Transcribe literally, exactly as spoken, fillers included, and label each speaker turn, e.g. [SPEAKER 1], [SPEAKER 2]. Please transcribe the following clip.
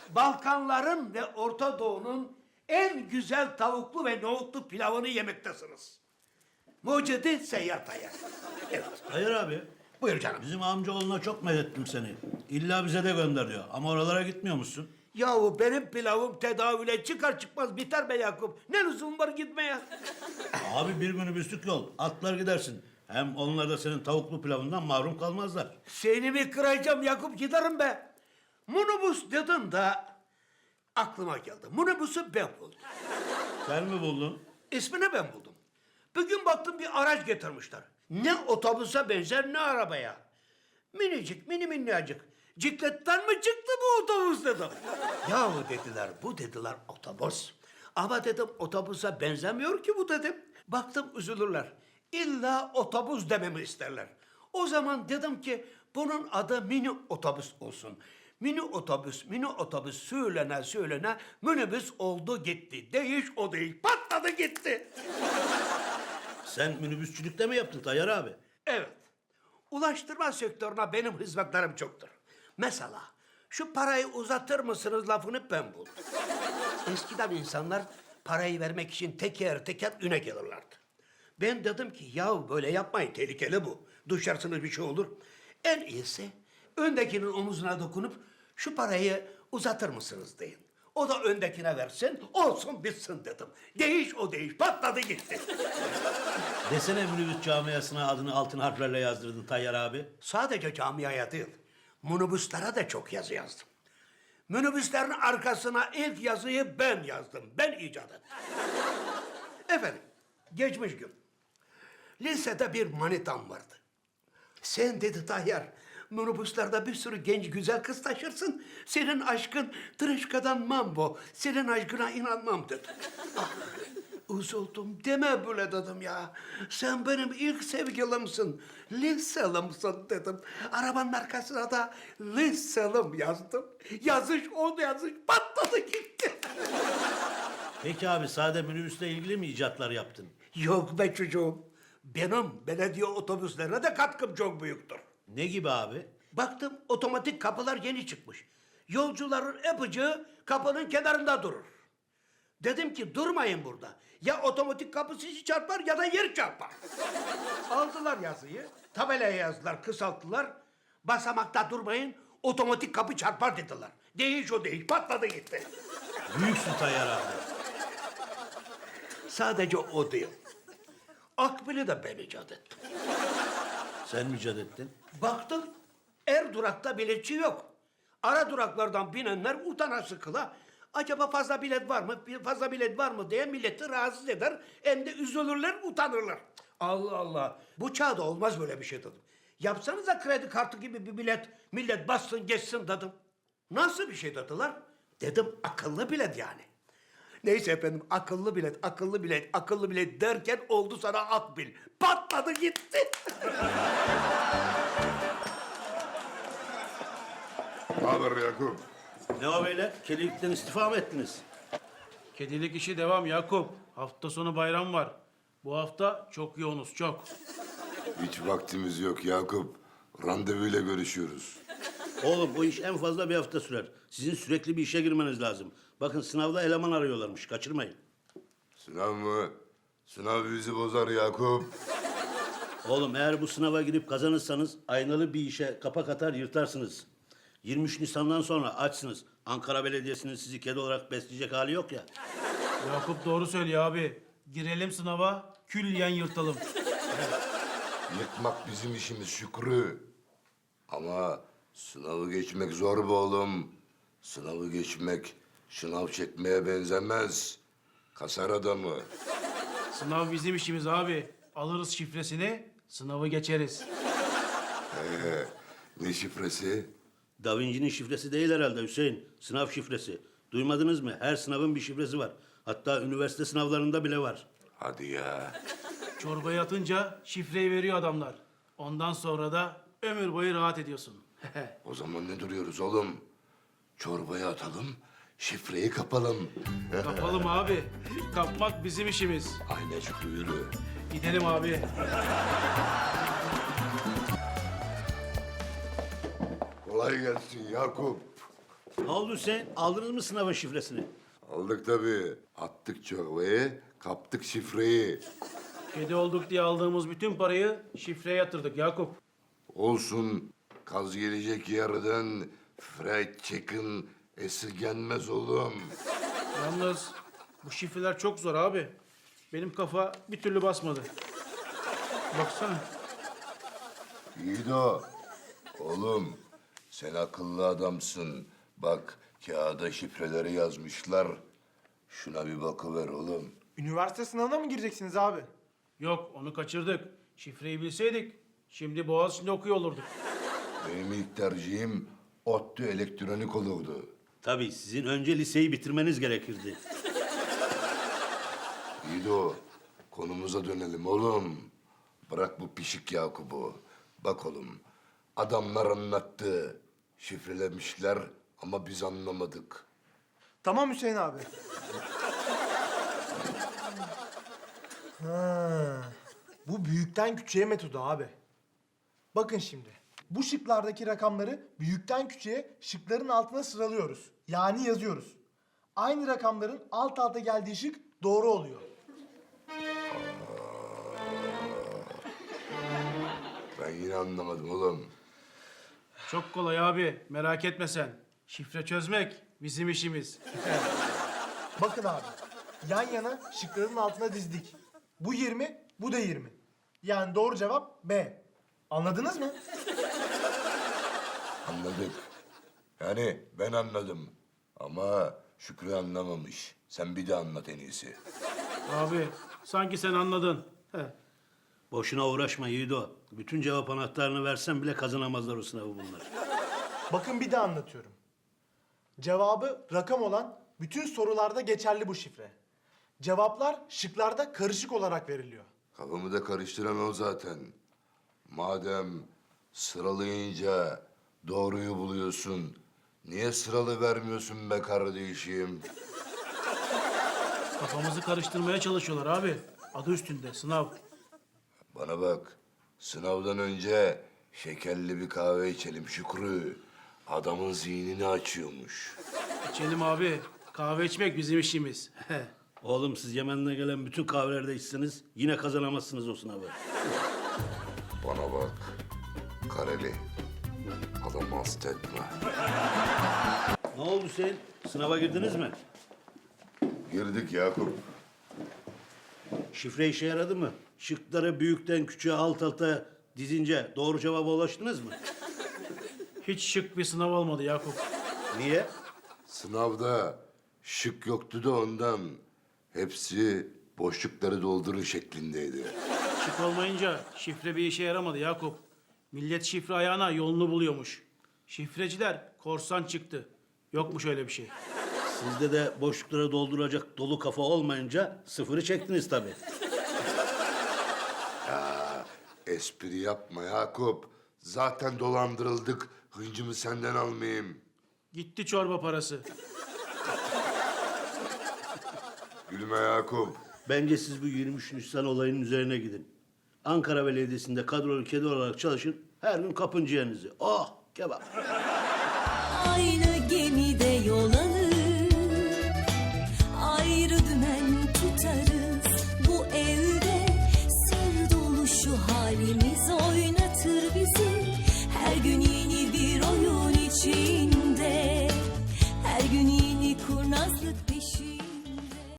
[SPEAKER 1] Balkanların ve Orta Doğu'nun en güzel tavuklu ve nohutlu pilavını yemektesiniz. Mucidi Seyyar Tayyar. Evet.
[SPEAKER 2] Hayır abi.
[SPEAKER 1] Buyur canım.
[SPEAKER 2] Bizim amcaoğluna çok medettim seni. İlla bize de gönder diyor. Ama oralara gitmiyor musun?
[SPEAKER 1] Yahu benim pilavım tedavüle çıkar çıkmaz biter be Yakup. Ne lüzum var gitmeye?
[SPEAKER 2] Abi bir minibüslük yol. Atlar gidersin. Hem onlar da senin tavuklu pilavından mahrum kalmazlar.
[SPEAKER 1] Seni mi kıracağım Yakup, giderim be. Minibüs dedin de aklıma geldi. Minibüsü ben buldum.
[SPEAKER 2] Sen mi buldun?
[SPEAKER 1] İsmini ben buldum. Bugün baktım bir araç getirmişler. Ne otobüse benzer ne arabaya. Minicik, mini minnacık. Cikletten mi çıktı bu otobüs dedim. Yahu dediler, bu dediler otobüs. Ama dedim otobüse benzemiyor ki bu dedim. Baktım üzülürler. İlla otobüs dememi isterler. O zaman dedim ki bunun adı mini otobüs olsun. Mini otobüs, mini otobüs söylene söylene minibüs oldu gitti. Değiş o değiş, patladı gitti.
[SPEAKER 2] Sen minibüsçülükte mi yaptın Tayyar abi?
[SPEAKER 1] Evet. Ulaştırma sektörüne benim hizmetlerim çoktur. Mesela şu parayı uzatır mısınız lafını ben buldum. Eskiden insanlar parayı vermek için teker teker üne gelirlerdi. Ben dedim ki ya böyle yapmayın, tehlikeli bu. Düşersiniz bir şey olur. En iyisi öndekinin omuzuna dokunup şu parayı uzatır mısınız deyin. O da öndekine versin, olsun bitsin dedim. Değiş o değiş, patladı gitti.
[SPEAKER 2] Desene minibüs camiasına adını altın harflerle yazdırdın Tayyar abi.
[SPEAKER 1] Sadece camiaya değil, minibüslere de çok yazı yazdım. Minibüslerin arkasına ilk yazıyı ben yazdım, ben icat ettim. Efendim, geçmiş gün. Lisede bir manitam vardı. Sen dedi Tayyar, minibüslerde bir sürü genç güzel kız taşırsın. Senin aşkın tırışkadan mambo, senin aşkına inanmam dedi. Ah, üzüldüm, deme böyle dedim ya. Sen benim ilk sevgilimsin, liselimsin dedim. Arabanın arkasına da liselim yazdım. Yazış o yazış patladı gitti.
[SPEAKER 2] Peki abi sade minibüsle ilgili mi icatlar yaptın?
[SPEAKER 1] Yok be çocuğum, benim belediye otobüslerine de katkım çok büyüktür.
[SPEAKER 2] Ne gibi abi?
[SPEAKER 1] Baktım otomatik kapılar yeni çıkmış. Yolcuların öpücüğü kapının kenarında durur. Dedim ki durmayın burada. Ya otomatik kapı sizi çarpar ya da yer çarpar. Aldılar yazıyı, tabelaya yazdılar, kısalttılar. Basamakta durmayın, otomatik kapı çarpar dediler. Değiş o değiş, patladı gitti.
[SPEAKER 2] Büyüksün Tayyar abi.
[SPEAKER 1] Sadece o değil. Akbil'i de ben icat ettim.
[SPEAKER 2] Sen mi icat ettin?
[SPEAKER 1] Baktım er durakta biletçi yok. Ara duraklardan binenler utana sıkıla. Acaba fazla bilet var mı, fazla bilet var mı diye milleti rahatsız eder. Hem de üzülürler, utanırlar. Allah Allah. Bu çağda olmaz böyle bir şey dedim. Yapsanıza kredi kartı gibi bir bilet. Millet bassın geçsin dedim. Nasıl bir şey dediler? Dedim akıllı bilet yani. Neyse efendim akıllı bilet, akıllı bilet, akıllı bilet derken oldu sana akbil. Patladı gitti.
[SPEAKER 3] Ne haber Yakup?
[SPEAKER 2] Ne o beyler? Kelilikten istifa mı ettiniz?
[SPEAKER 4] Kedilik işi devam Yakup. Hafta sonu bayram var. Bu hafta çok yoğunuz, çok.
[SPEAKER 3] Hiç vaktimiz yok Yakup. Randevuyla görüşüyoruz.
[SPEAKER 2] Oğlum bu iş en fazla bir hafta sürer. Sizin sürekli bir işe girmeniz lazım. Bakın sınavda eleman arıyorlarmış. Kaçırmayın.
[SPEAKER 3] Sınav mı? Sınav bizi bozar Yakup.
[SPEAKER 2] Oğlum eğer bu sınava girip kazanırsanız aynalı bir işe kapak atar yırtarsınız. yirmi üç Nisan'dan sonra açsınız. Ankara Belediyesi'nin sizi kedi olarak besleyecek hali yok ya.
[SPEAKER 4] Yakup doğru söylüyor abi. Girelim sınava, külliyen yırtalım.
[SPEAKER 3] Yırtmak bizim işimiz Şükrü. Ama sınavı geçmek zor be oğlum. Sınavı geçmek şınav çekmeye benzemez. Kasar adamı.
[SPEAKER 4] Sınav bizim işimiz abi. Alırız şifresini, sınavı geçeriz.
[SPEAKER 3] Ee, ne şifresi?
[SPEAKER 2] Da Vinci'nin şifresi değil herhalde Hüseyin. Sınav şifresi. Duymadınız mı? Her sınavın bir şifresi var. Hatta üniversite sınavlarında bile var.
[SPEAKER 3] Hadi ya.
[SPEAKER 4] Çorbaya atınca şifreyi veriyor adamlar. Ondan sonra da ömür boyu rahat ediyorsun.
[SPEAKER 3] O zaman ne duruyoruz oğlum? Çorbaya atalım, şifreyi kapalım.
[SPEAKER 4] Kapalım abi. Kapmak bizim işimiz.
[SPEAKER 3] Aynen Şükrü yürü.
[SPEAKER 4] Gidelim abi.
[SPEAKER 3] Kolay gelsin Yakup.
[SPEAKER 2] Ne oldu Hüseyin? Aldınız mı sınavın şifresini?
[SPEAKER 3] Aldık tabii. Attık çorbayı, kaptık şifreyi.
[SPEAKER 4] Kedi olduk diye aldığımız bütün parayı şifreye yatırdık Yakup.
[SPEAKER 3] Olsun, kaz gelecek yerden fried chicken esirgenmez oğlum.
[SPEAKER 4] Yalnız bu şifreler çok zor abi. Benim kafa bir türlü basmadı. Baksana.
[SPEAKER 3] Yiğido, oğlum sen akıllı adamsın. Bak kağıda şifreleri yazmışlar. Şuna bir bakıver oğlum.
[SPEAKER 5] Üniversite sınavına mı gireceksiniz abi?
[SPEAKER 4] Yok onu kaçırdık. Şifreyi bilseydik şimdi Boğaziçi'nde okuyor olurduk.
[SPEAKER 3] Benim ilk tercihim ODTÜ elektronik olurdu.
[SPEAKER 2] Tabii sizin önce liseyi bitirmeniz gerekirdi.
[SPEAKER 3] Yiğido, konumuza dönelim oğlum. Bırak bu pişik Yakup'u. Bak oğlum, adamlar anlattı. Şifrelemişler ama biz anlamadık.
[SPEAKER 5] Tamam Hüseyin abi. Ha, bu büyükten küçüğe metodu abi. Bakın şimdi. Bu şıklardaki rakamları büyükten küçüğe şıkların altına sıralıyoruz. Yani yazıyoruz. Aynı rakamların alt alta geldiği şık doğru oluyor.
[SPEAKER 3] Ben yine anlamadım oğlum.
[SPEAKER 4] Çok kolay abi merak etme sen. Şifre çözmek bizim işimiz.
[SPEAKER 5] Bakın abi. Yan yana şıkların altına dizdik. Bu yirmi, bu da yirmi. Yani doğru cevap B. Anladınız mı?
[SPEAKER 3] Anladık. Yani ben anladım. Ama Şükrü anlamamış. Sen bir de anlat en iyisi.
[SPEAKER 4] Abi sanki sen anladın. Heh.
[SPEAKER 2] Boşuna uğraşma Yiğido. Bütün cevap anahtarını versen bile kazanamazlar o sınavı bunlar.
[SPEAKER 5] Bakın bir de anlatıyorum. Cevabı rakam olan bütün sorularda geçerli bu şifre. Cevaplar şıklarda karışık olarak veriliyor.
[SPEAKER 3] Kafamı da karıştıran o zaten. Madem sıralayınca doğruyu buluyorsun, niye sıralı vermiyorsun be kardeşim?
[SPEAKER 4] Kafamızı karıştırmaya çalışıyorlar abi. Adı üstünde sınav.
[SPEAKER 3] Bana bak, sınavdan önce şekerli bir kahve içelim Şükrü. Adamın zihnini açıyormuş.
[SPEAKER 4] İçelim abi. Kahve içmek bizim işimiz.
[SPEAKER 2] Oğlum siz Yemen'den gelen bütün kahvelerde içseniz yine kazanamazsınız o sınavı.
[SPEAKER 3] Bana bak, Kareli. Adamı hasta etme.
[SPEAKER 2] Ne oldu Hüseyin? Sınava girdiniz mi?
[SPEAKER 3] Girdik Yakup.
[SPEAKER 2] Şifre işe yaradı mı? Şıkları büyükten küçüğe alt alta dizince doğru cevaba ulaştınız mı?
[SPEAKER 4] Hiç şık bir sınav olmadı Yakup.
[SPEAKER 2] Niye?
[SPEAKER 3] Sınavda şık yoktu da ondan. Hepsi boşlukları doldurun şeklindeydi.
[SPEAKER 4] Şık olmayınca şifre bir işe yaramadı Yakup. Millet şifre ayağına yolunu buluyormuş. Şifreciler korsan çıktı. Yokmuş öyle bir şey.
[SPEAKER 2] Sizde de boşlukları dolduracak dolu kafa olmayınca sıfırı çektiniz tabii.
[SPEAKER 3] Espri yapma Yakup. Zaten dolandırıldık. Hıncımı senden almayayım.
[SPEAKER 4] Gitti çorba parası.
[SPEAKER 3] Gülme Yakup.
[SPEAKER 2] Bence siz bu yirmi üç Nisan olayının üzerine gidin. Ankara Belediyesi'nde kadrolu kedi olarak çalışın. Her gün kapın ciğerinizi. Oh kebap.
[SPEAKER 6] Aynı gemide yol alır, ayrı dümen tutarız. Bu evde sır dolu şu halimiz oynatır bizi. Her gün yeni bir oyun içinde, her gün yeni kurnazlık peşinde.